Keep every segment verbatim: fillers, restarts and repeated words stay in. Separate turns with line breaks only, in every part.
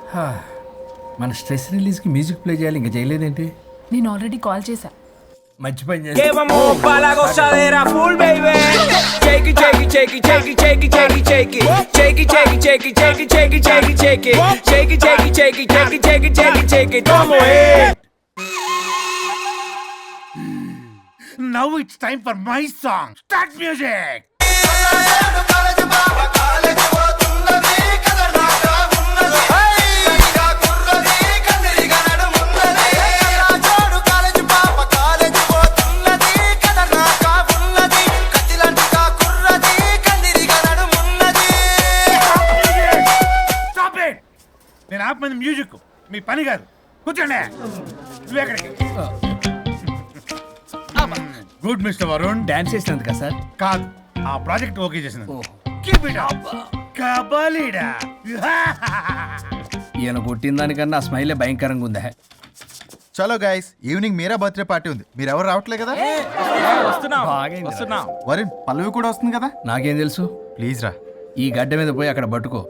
మన స్ట్రెస్ రిలీజ్కి music play చేయాలి, ఇంకా చేయలేదేంటి?
నేను ఆల్రెడీ కాల్ చేశా.
మంచి పని చేసి
Que vamos pa' la gozadera full, baby. Shake it, shake it, shake it, shake it, shake it, shake it, shake it. Shake it, shake it, shake it, shake it, shake it, shake it, shake it. Shake it, shake it, shake it, shake it, shake it, shake it, shake it. Vamos, eh.
Now it's time for my song. Start music. నేను ఆపమంది music, మీ పని కాదు. కూర్చోండి. నువ్వు ఎక్కడికి? Good mister Varun.
Dance చేసినందుకు కదా sir?
కాదు, ఆ ప్రాజెక్ట్ ఓకే చేసినందుకు. Keep it up. కబాలీడా.
ఈయన కొట్టిన దానికన్నా ఆ స్మైలే భయంకరంగా ఉందా?
చలో guys, evening Meera birthday party ఉంది. మీరు ఎవరు రావట్లే కదా? వరుణ్, పల్లవి కూడా వస్తుంది కదా?
నాకేం తెలుసు?
ప్లీజ్ రా.
ఈ గడ్డ మీద పోయి అక్కడ పట్టుకో.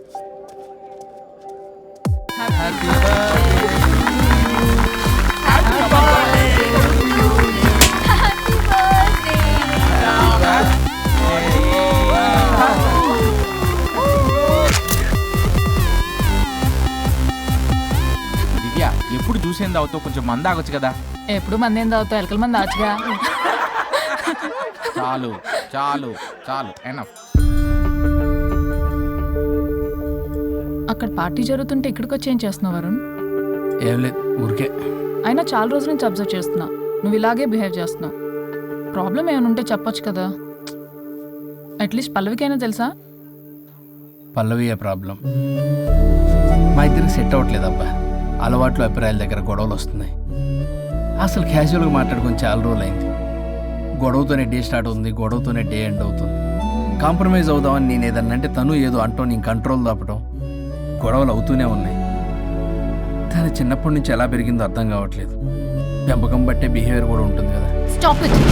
దివ్య, ఎప్పుడు చూసేంది అవుతావు, కొంచెం మంద ఆగొచ్చు కదా?
ఎప్పుడు మంది ఏం తాగుతావు? ఎలకల మంది ఆచుగా.
చాలు చాలు చాలు, ఎనఫ్.
అక్కడ పార్టీ జరుగుతుంటే ఇక్కడికి వచ్చి ఏం చేస్తున్నావు వరుణ్?
ఏం లేదు, ఊరికే.
అయినా చాలా రోజుల నుంచి అబ్జర్వ్ చేస్తున్నా, నువ్వు ఇలాగే బిహేవ్ చేస్తున్నావు. ప్రాబ్లం ఏమైనా ఉంటే చెప్పొచ్చు కదా. అట్లీస్ట్ పల్లవికైనా తెలుసా?
పల్లవి ఏ ప్రాబ్లం? మా ఇద్దరికి సెట్ అవ్వట్లేదు అబ్బా. అలవాట్లు అభిప్రాయాల దగ్గర గొడవలు వస్తున్నాయి. అసలు క్యాజువల్గా మాట్లాడుకొని చాలా రోజులు అయింది. గొడవతోనే డే స్టార్ట్ అవుతుంది, గొడవతోనే డే ఎండ్ అవుతుంది. కాంప్రమైజ్ అవుదామని నేను ఏదన్నా అంటే తను ఏదో అంటూ నేను కంట్రోల్ తప్పడం, గొడవలు అవుతూనే ఉన్నాయి. తను చిన్నప్పటి నుంచి ఎలా పెరిగిందో అర్థం కావట్లేదు. పెంపకం బట్టే బిహేవియర్ కూడా ఉంటుంది కదా.
Stop it.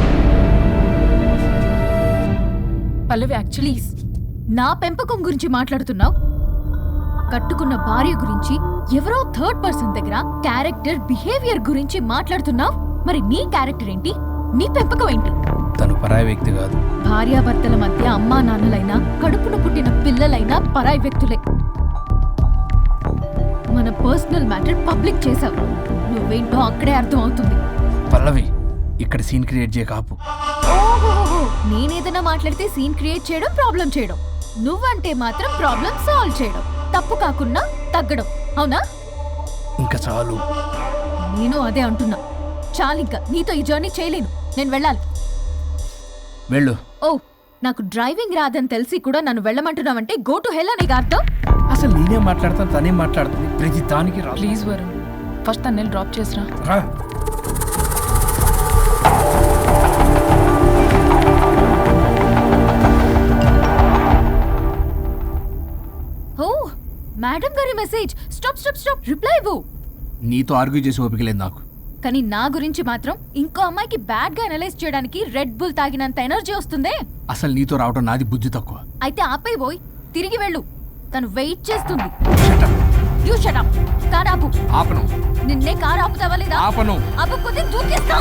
పల్లవి, యాక్చువల్లీ
నా పెంపకం గురించి మాట్లాడుతున్నావు? కట్టుకున్న భార్య గురించి ఎవరో థర్డ్ పర్సన్ దగ్గర క్యారెక్టర్ బిహేవియర్ గురించి మాట్లాడుతున్నావు. మరి నీ క్యారెక్టర్ ఏంటి? నీ పెంపకం ఏంటి?
తను పరాయి వ్యక్తి కాదు.
భార్యాభర్తల మధ్య అమ్మా నాన్నలైనా కడుపున పుట్టిన పిల్లలైనా పరాయి వ్యక్తులే. మన పర్సనల్ మ్యాటర్ పబ్లిక్ చేసావు. నువ్వేంటో అక్కడే అర్థం అవుతుంది.
పల్లవి, ఇక్కడ సీన్ క్రియేట్ చేయ కాపు.
ఓహోహో, నేనేదైనా మాట్లాడితే సీన్ క్రియేట్ చేయడం, ప్రాబ్లం చేయడం. నువ్వంటే మాత్రం ప్రాబ్లం సాల్వ్ చేయడం, తప్పు కాకుండా తగ్గడం. అవునా?
ఇంకా చాలు.
నేను అదే అంటున్నా. చాలింకా, నీతో ఈ జర్నీ చేయలేను. నేను వెళ్ళాలి.
వెళ్ళు.
ఓ, నాకు డ్రైవింగ్ రాదని తెలిసి కూడా నన్ను వెళ్ళమంటున్నావంటే గో టు హెల్ అని అర్థం.
అసలు నేనే మాట్లాడతాను, తనే మాట్లాడుతుంది ప్రతి దానికి. రా
ప్లీజ్ వరుణ్, ఫస్ట్ తన్నేళ్ళు డ్రాప్ చేసిరా.
రా.
ఓ, మేడం గారి message. Stop stop stop, reply ఇవ్వు.
నీతో ఆర్గ్యూ చేసి ఓపిక లేదు నాకు.
కానీ నా గురించి మాత్రం ఇంకో అమ్మాయికి బ్యాడ్ గా అనలైజ్ చేయడానికి రెడ్ బుల్ తాగినంత ఎనర్జీ వస్తుందే.
అసలు నీతో రావడం నాది బుద్ధి తక్కువ.
అయితే ఆపై పోయి తిరిగి వెళ్ళు. తను వెయిట్ చేస్తుంది.
Shut up.
You shut up. Car ఆపు.
ఆపను.
నిన్నే కార్ ఆపుతావా లేదా?
ఆపను.
ఆపకపోతే దూకేస్తా.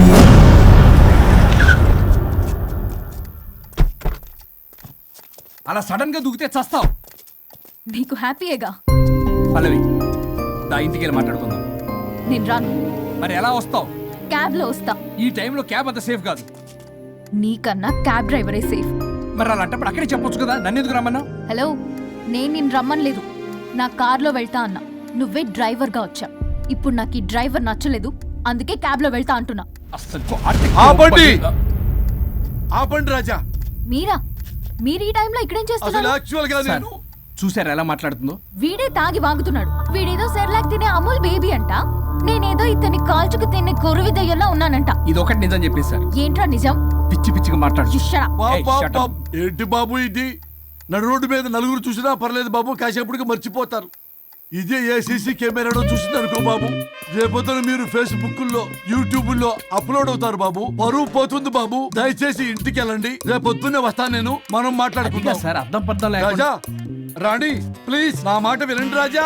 అలా సడన్ గా దూకితే చస్తావు.
నీకు హ్యాపీయేగా?
పల్లవి, దా ఇంటికి వెళ్ళి మాట్లాడుకుందాం.
నేను రాను.
మరి ఎలా వస్తావు?
క్యాబ్ లో వస్తా.
ఈ టైంలో క్యాబ్ అంత సేఫ్ కాదు.
నీకన్నా క్యాబ్ డ్రైవరే సేఫ్.
మరి అలాంటప్పుడు అక్కడే చెప్పొచ్చు కదా, నన్ను ఎందుకు రమ్మన్నావు?
హలో, నేను నిన్ను రమ్మనలేదు. నా కార్లో వెళ్తా అన్నా. నువ్వే డ్రైవర్ గా వచ్చా. ఇప్పుడు నాకు ఈ డ్రైవర్ నచ్చలేదు, అందుకే క్యాబ్ లో వెళ్తా అంటున్నా.
అసలు
ఆపండి ఆపండి రాజా.
మీరా? మీరు ఈ టైంలో ఇక్కడేం
అసలు
చేస్తున్నారు?
యాక్చువల్ గా నేను
చూసారా ఎలా మాట్లాడుతుందో?
వీడే తాగి వాగుతున్నాడు. వీడేదో సెర్లాక్ తినే అమూల్ బేబీ అంట. నేనేదో ఇతన్ని కాల్చుకు తినే కొరువి దయ్యంలో ఉన్నానంట.
ఇది ఒకటి నిజం చెప్పేశారు.
ఏంట్రా నిజం?
పిచ్చి పిచ్చిగా మాట్లాడు.
You shut up.
బాబ్ బాబ్ బాబ్. ఏంటి బాబు ఇది? నడు రోడ్డు మీద నలుగురు చూసినా పర్లేదు బాబు, కాసేపటికి మర్చిపోతారు. ఇదే ఏ సీసీ కెమెరాలో చూసింది అనుకో బాబు, రేపొద్దున మీరు ఫేస్బుక్ లో యూట్యూబ్ లో అప్లోడ్ అవుతారు బాబు, పరువు పోతుంది బాబు. దయచేసి ఇంటికి వెళ్ళండి, రేపొద్దునే వస్తాను నేను, మనం మాట్లాడుకుందాం.
సార్ అర్థం పర్థం లేకుండా
రాజా రాణి ప్లీజ్ నా మాట వినండి రాజా.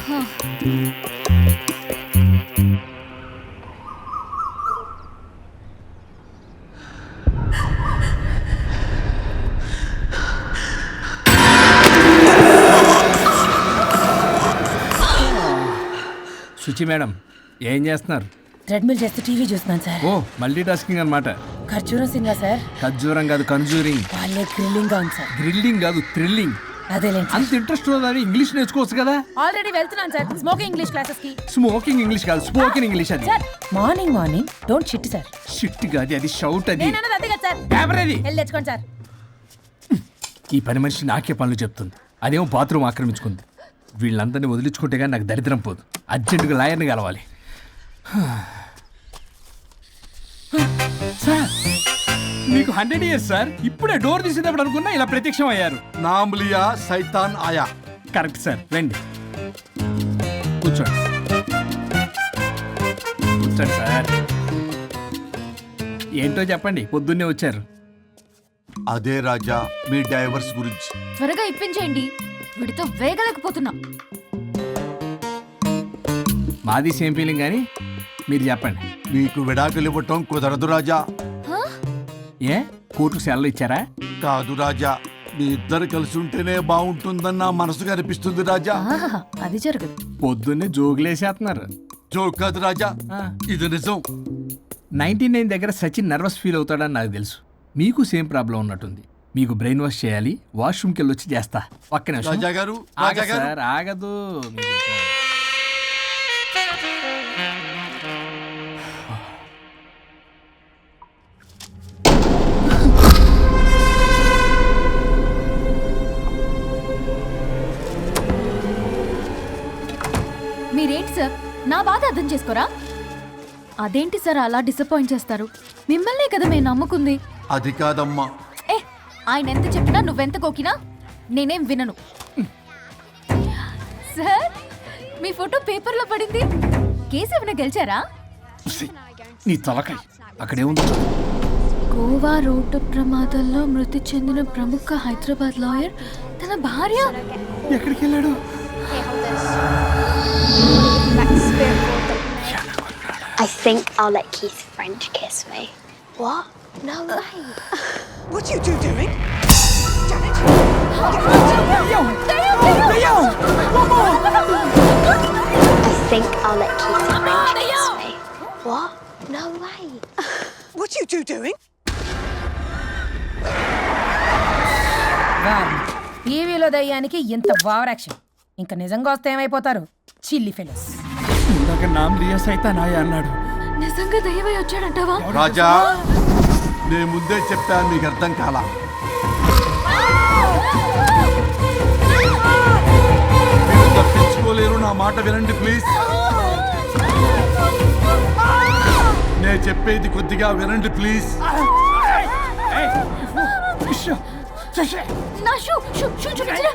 శుచి మేడం ఏం చేస్తున్నారు?
ట్రెడ్మిల్ చేస్తూ టీవీ చూస్తున్నాను సార్.
ఓ మల్టీ టాస్కింగ్ అనమాట.
ఖర్జూరం సింగా సార్.
ఖర్జూరం కాదు కన్జూరింగ్.
వాళ్ళే థ్రిల్లింగ్ గా ఉంది సార్.
గ్రిల్లింగ్ కాదు థ్రిల్లింగ్.
అదేలేండి.
అంత ఇంట్రెస్ట్ ఉన్నదని ఇంగ్లీష్ నేర్చుకోవచ్చు కదా.
ఆల్రెడీ వెళ్తున్నాను సార్ స్మోకింగ్ ఇంగ్లీష్ క్లాసెస్ కి.
స్మోకింగ్ ఇంగ్లీష్ కాదు స్పోకెన్ ఇంగ్లీష్. అది
sir morning morning don't shit sir.
Shit కాదు అది షౌట్. అది
నేను అన్నది అదే కదా సార్.
పేపర్ అది.
వెళ్ళి తెచ్చుకోండి సార్.
ఈ పని మనిషి నాకే పనులు చెప్తుంది, అదేమో బాత్రూమ్ ఆక్రమించుకుంది. వీళ్ళందరినీ వదిలించుకుంటే కానీ నాకు దరిద్రం పోదు. అర్జెంటుగా లాయర్ని కలవాలి. సార్ మీకు హండ్రెడ్ ఇయర్స్ సార్. ఇప్పుడే డోర్ తీసేటప్పుడు అనుకున్నా ఇలా ప్రత్యక్షం అయ్యారు.
నామ్లియా సైతాన్ ఆయా.
కరెక్ట్ సార్, రండి కూర్చోండి. కూర్చోండి సార్. ఏంటో చెప్పండి, పొద్దున్నే వచ్చారు.
అదే రాజా మీ డైవర్స్ గురించి.
త్వరగా ఇప్పించేయండి, వీడితో వేగలేకపోతున్నా.
మాది సేమ్ ఫీలింగ్ కానీ మీరు చెప్పండి.
మీకు విడాకులు ఇవ్వటం కుదరదు రాజా.
ఏ కోర్టుకు సెలవు ఇచ్చారా?
కాదు రాజా, మీ ఇద్దరు కలిసి ఉంటేనే బాగుంటుందని నా మనసుకు అనిపిస్తుంది రాజా.
ఆహాహా, అది జరగదు.
పొద్దున్నే జోగులేసేస్తున్నారు.
జోక్ కాదు రాజా,
ఆ.
ఇది నిజం.
నైన్టీ నైన్ దగ్గర సచిన్ నర్వస్ ఫీల్ అవుతాడని నాకు తెలుసు. మీకు సేమ్ ప్రాబ్లం ఉన్నట్టుంది. మీకు బ్రెయిన్ వాష్ చేయాలి, వాష్రూమ్కి వెళ్ళి వచ్చి చేస్తా. పక్కన
రాజా గారు రాజా గారు
సార్ ఆగదు. మీకు ఇంకా-
మీరేంటి సార్ నా బాధ అర్థం చేసుకోరా? అదేంటి సార్ అలా డిసప్పాయింట్ చేస్తారు? మిమ్మల్నే కదా మేము నమ్ముకుంది.
అది కాదమ్మా.
ఏ ఆయన ఎంత చెప్పినా నువ్వెంత కోకినా నేనేం వినను. సార్ మీ ఫోటో పేపర్లో పడింది. కేసు ఏమైనా గెలిచారా?
నీ తలకాయ అక్కడేముంది?
గోవా రోడ్డు ప్రమాదంలో మృతి చెందిన ప్రముఖ హైదరాబాద్ లాయర్ తన భార్య
ఎక్కడికి వెళ్ళాడు?
I think I'll let Keith French kiss me. What? No way.
What are you two doing?
I think I'll let Keith French kiss me. What? No way.
What are you two doing?
టీవీలో దయ్యానికి ఇంత over action. ఇంకా నిజంగా వస్తే ఏమైపోతారు చిల్లి fellows.
ఇందాక నామ్ లియా సైతాన్ ఆయా అన్నాడు.
నిజంగా దయ్యమై వచ్చాడంటావా?
రాజా నేను ముందే చెప్పాను, మీకు అర్థం కాలా. మీరు తప్పించుకోలేరు, నా మాట వినండి ప్లీజ్. నేను చెప్పేది కొద్దిగా వినండి ప్లీజ్.
నా షూ షూ షూ చూపించరా?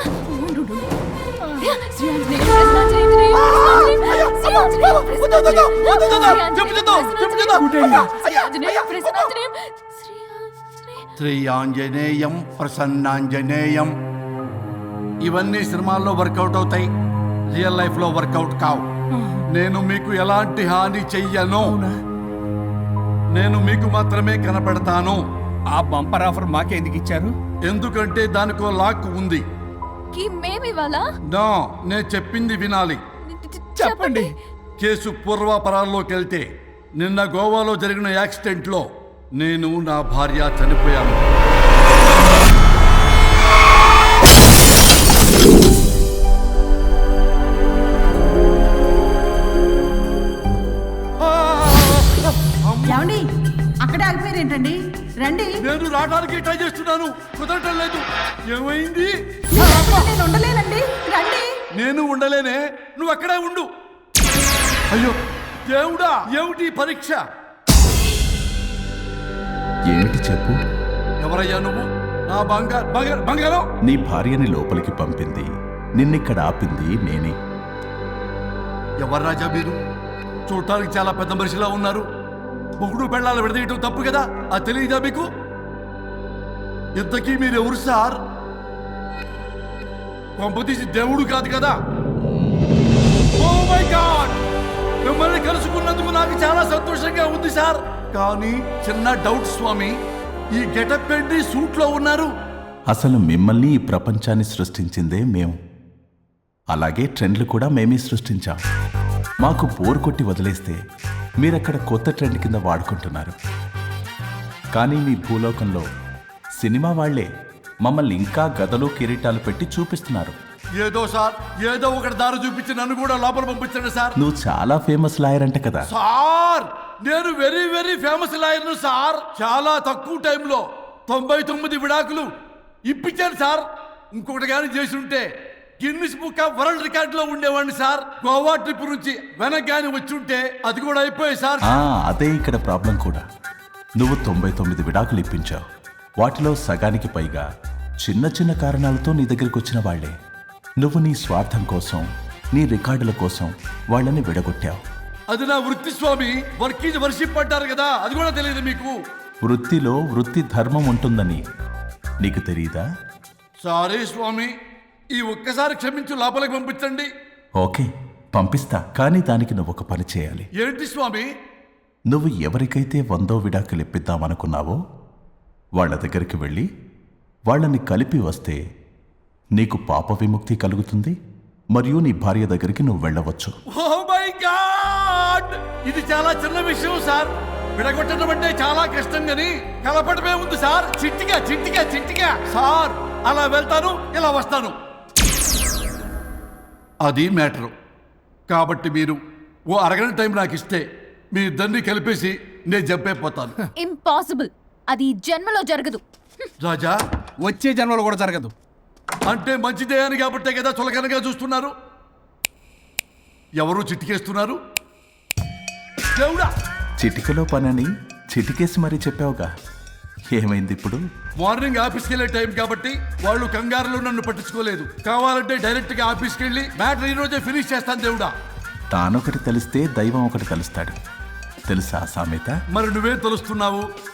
శ్రీ ఆంజనేయం ప్రసన్నాంజనేయం. ఇవన్నీ సినిమాల్లో వర్కౌట్ అవుతాయి, రియల్ లైఫ్ లో వర్కౌట్ కావు. నేను మీకు ఎలాంటి హాని చెయ్యను. నేను మీకు మాత్రమే కనపడతాను.
ఆ బంపర్ ఆఫర్ మాకే ఎందుకు ఇచ్చారు?
ఎందుకంటే దానికో లాక్ ఉంది.
మేమివాలా
నా నేను చెప్పింది వినాలి.
చెప్పండి.
కేసు పూర్వాపరాల్లోకి వెళ్తే నిన్న గోవాలో జరిగిన యాక్సిడెంట్ లో నేను నా భార్య చనిపోయాను.
ఏమండి అక్కడే ఆగిపోయారు ఏంటండి? రండి.
నేను రావడానికి ట్రై చేస్తున్నాను, కుదరటం లేదు. ఏమైంది?
నేను ఉండలేనండి, రండి.
నేను ఉండలేనే, నువ్వు అక్కడే ఉండు. అయ్యో దేవుడా, ఏమిటి పరీక్ష?
ఏంటి చెప్పు.
ఎవరయ్యా నువ్వు? నా బంగారు బంగారు బంగారం.
నీ భార్యని లోపలికి పంపింది, నిన్నిక్కడ ఆపింది నేనే.
ఎవరు రాజా మీరు? చూడటానికి చాలా పెద్ద మనిషిలా ఉన్నారు. మొగుడు పెళ్ళాలు విడదీయటం తప్పు కదా, అది తెలియదా మీకు? ఇంతకీ మీరు ఎవరు సార్? కొంపతీసి దేవుడు కాదు కదా? ఓ మై గాడ్, మిమ్మల్ని కలుసుకున్నందుకు నాకు చాలా సంతోషంగా ఉంది సార్. కానీ చిన్న డౌట్ స్వామి, ఈ గెటప్ పెట్టి సూట్ లో ఉన్నారు.
అసలు మిమ్మల్ని ఈ ప్రపంచాన్ని సృష్టించిందే మేము. అలాగే ట్రెండ్లు కూడా మేమే సృష్టించాం. మాకు బోర్ కొట్టి వదిలేస్తే మీరక్కడ కొత్త ట్రెండ్ కింద వాడుకుంటున్నారు. కానీ మీ భూలోకంలో సినిమా వాళ్లే మమ్మల్ని ఇంకా గదలు కిరీటాలు పెట్టి చూపిస్తున్నారు.
ఏదో సార్, ఏదో ఒకటి దారి చూపించి నన్ను కూడా లోపల పంపించండి సార్.
నువ్వు చాలా ఫేమస్ లాయర్ అంట కదా?
సార్, నేను వెరీ వెరీ ఫేమస్ లాయర్ను సార్. చాలా తక్కువ టైంలో తొంభై తొమ్మిది విడాకులు ఇప్పించాను సార్. ఇంకొకటి కానీ చేసి ఉంటే Guinness Book of World Record లో ఉండేవాడిని సార్. గోవా ట్రిప్ నుంచి వెనక్ గాని వచ్చి ఉంటే అది కూడా అయిపోయాయి సార్.
ఆ, అదే ఇక్కడ ప్రాబ్లం కూడా. నువ్వు తొంభై తొమ్మిది విడాకులు ఇప్పించావు. వాటిలో సగానికి పైగా చిన్న చిన్న కారణాలతో నీ దగ్గరికి వచ్చిన వాళ్లే. నువ్వు నీ స్వార్థం కోసం, నీ రికార్డుల కోసం వాళ్ళని విడగొట్టావు.
అది నా వృత్తి స్వామి. వర్క్ ఈజ్ వర్షిప్ అంటారు కదా, అది కూడా తెలియదు మీకు?
వృత్తిలో వృత్తి ధర్మం ఉంటుందని నీకు తెలియదా?
సారీ స్వామి, ఈ ఒక్కసారి క్షమించు, లోపలికి పంపించండి.
ఓకే, పంపిస్తా. కానీ దానికి నువ్వు ఒక పని చేయాలి.
ఏంటి స్వామి?
నువ్వు ఎవరికైతే వందో విడాకులు ఇప్పిద్దామనుకున్నావో వాళ్ళ దగ్గరికి వెళ్ళి వాళ్ళని కలిపి వస్తే నీకు పాప విముక్తి కలుగుతుంది. మరియు నీ భార్య దగ్గరికి నువ్వు వెళ్ళవచ్చు.
ఓ మై గాడ్, ఇది చాలా చిన్న విషయం సార్. విడగొట్టడం అంటే చాలా కష్టం గని కలపడమే ఉంది సార్. చిట్టిగా చిట్టిగా చిట్టిగా సార్. అలా వెళ్తాను, ఇలా వస్తాను, అది మ్యాటరు. కాబట్టి మీరు ఓ అరగంట టైం నాకు ఇస్తే మీ ఇద్దరిని కలిపేసి నేను చంపైపోతాను.
ఇంపాసిబుల్, అది ఈ జన్మలో జరగదు.
రాజా,
వచ్చే జన్మలో కూడా జరగదు.
అంటే మంచిదే అని కాబట్టే కదా చులకనగా చూస్తున్నారు. ఎవరు చిట్టికేస్తున్నారు? దేవుడా,
చిటికలో పనని చిటికేసి మరీ చెప్పావుగా, ఏమైంది ఇప్పుడు?
మార్నింగ్ ఆఫీస్కి వెళ్ళే టైం కాబట్టి వాళ్ళు కంగారులో నన్ను పట్టించుకోలేదు. కావాలంటే డైరెక్ట్ గా ఆఫీస్కి వెళ్ళి మ్యాటర్ ఈ రోజే ఫినిష్ చేస్తాను. దేవుడా,
తానొకటి తెలిస్తే దైవం ఒకటి కలుస్తాడు, తెలుసా సామెత?
మరి నువ్వే తెలుస్తున్నావు.